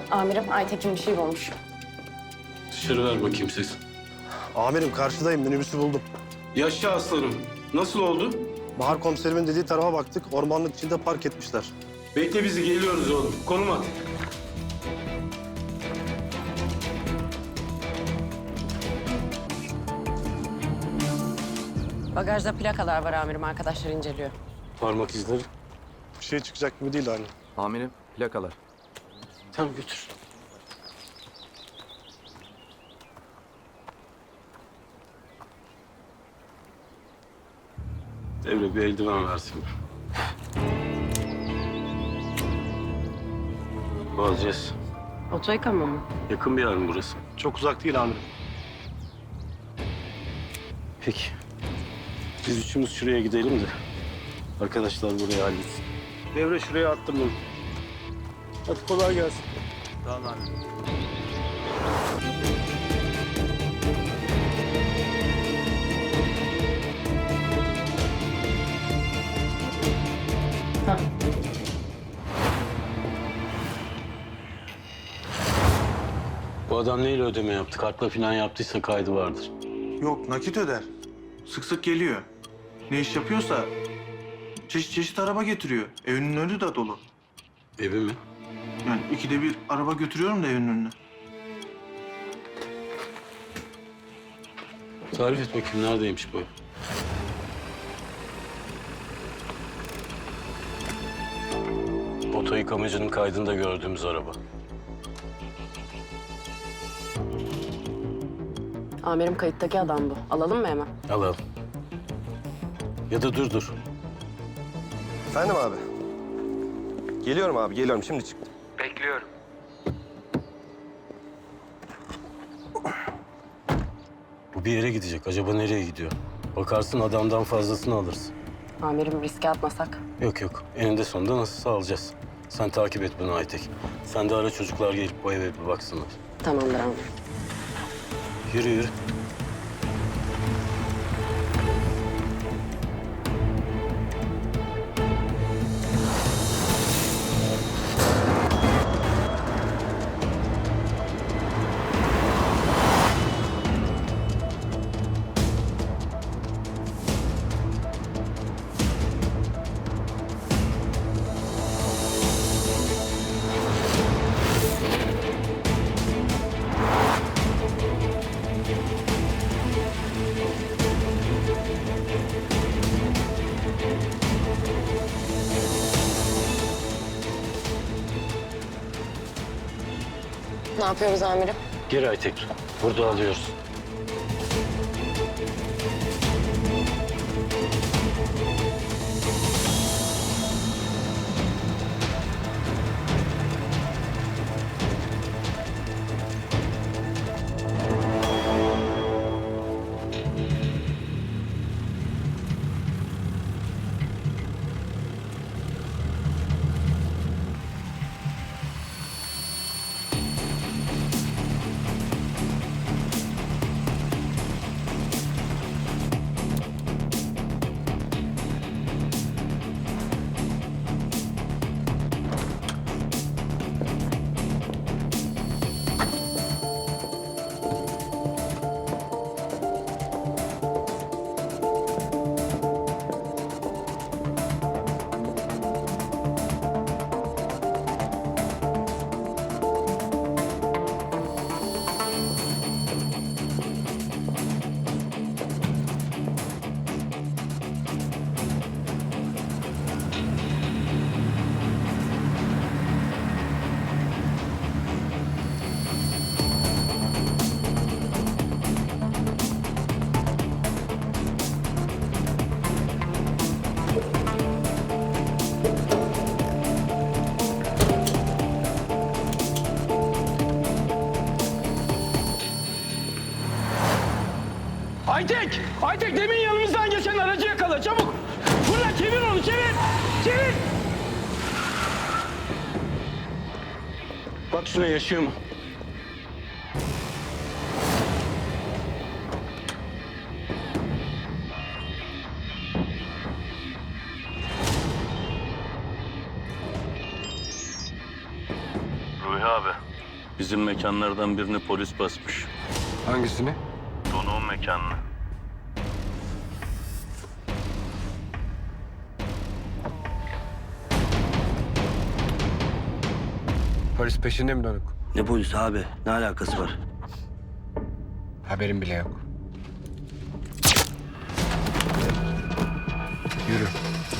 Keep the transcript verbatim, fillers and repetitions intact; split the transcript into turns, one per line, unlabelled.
Amirim, Aytekin bir şey bulmuş.
Dışarı ver bakayım ses.
Amirim karşıdayım, minibüsü buldum.
Yaşa aslanım. Nasıl oldu?
Bahar komiserimin dediği tarafa baktık, ormanlık içinde park etmişler.
Bekle bizi, geliyoruz oğlum. Konum at.
Bagajda plakalar var amirim, arkadaşlar inceliyor.
Parmak izleri.
Bir şey çıkacak gibi değil hani.
Amirim, plakalar.
Tamam götür. Devre bir eldiven versin. Vazgeç.
Oto yıkama mı?
Yakın bir yer mi burası?
Çok uzak değil amirim.
Peki. Biz üçümüz şuraya gidelim de arkadaşlar burayı halletsin. Devre şuraya attım bunu. Hadi kolay gelsin.
Tamam amirim.
Bu adam neyle ödeme yaptı? Kartla falan yaptıysa kaydı vardır.
Yok, nakit öder. Sık sık geliyor. Ne iş yapıyorsa çeşit çeşit araba getiriyor. Evinin önü de dolu.
Evi mi?
Yani ikide bir araba götürüyorum da evinin önüne.
Tarif et bakayım neredeymiş bu ev? Oto yıkamacının kaydında gördüğümüz araba.
Amirim, kayıttaki adam bu. Alalım mı hemen?
Alalım. Ya da dur dur.
Efendim abi. Geliyorum abi, geliyorum. Şimdi çıktım.
Bekliyorum.
Bu bir yere gidecek. Acaba nereye gidiyor? Bakarsın adamdan fazlasını alırsın.
Amirim, riske atmasak.
Yok yok. Eninde sonunda nasıl sağlayacağız? Sen takip et bunu Aytek. Sen de ara çocuklar gelip bu eve bir baksınlar.
Tamamdır amirim.
Yürü yürü.
Ne yapıyoruz amirim?
Gir Aytek. Burada alıyoruz.
Aytek! Aytek demin yanımızdan geçen aracı yakala çabuk! Fırla çevir onu çevir! Çevir!
Bak şuna yaşıyor mu?
Ruhi abi,
Bizim mekanlardan birini polis basmış.
Hangisini?
Donuğun mekanını.
Polis peşinde mi Donuk?
Ne polisi abi? Ne alakası var?
Haberim bile yok. Yürü.